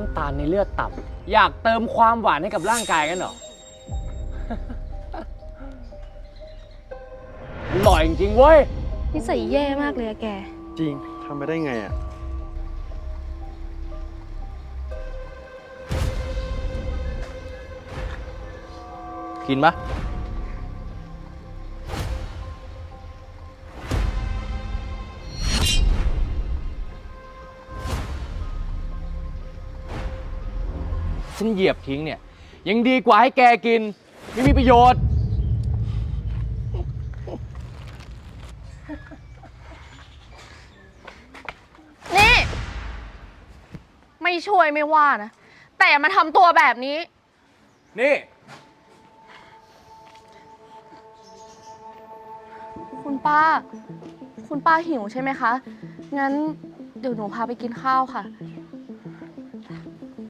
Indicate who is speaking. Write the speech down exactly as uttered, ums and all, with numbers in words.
Speaker 1: ำตาลในเลือดต่ำอยากเติมความหวานให้กับร่างกายกันเหรอ อร่อยจริงๆเว้ย
Speaker 2: นิสัยแย่มากเลยอะแก
Speaker 3: จริงทำไปได้ไงอ่ะ
Speaker 4: กินปะฉันเหยียบทิ้งเนี่ย ยังดีกว่าให้แกกิน ไม่มีประโยชน์
Speaker 2: นี่ ไม่ช่วยไม่ว่านะ แต่อย่ามาทำตัวแบบนี้
Speaker 4: นี่
Speaker 2: คุณป้า คุณป้าหิวใช่ไหมคะ งั้นเดี๋ยวหนูพาไปกินข้าวค่ะ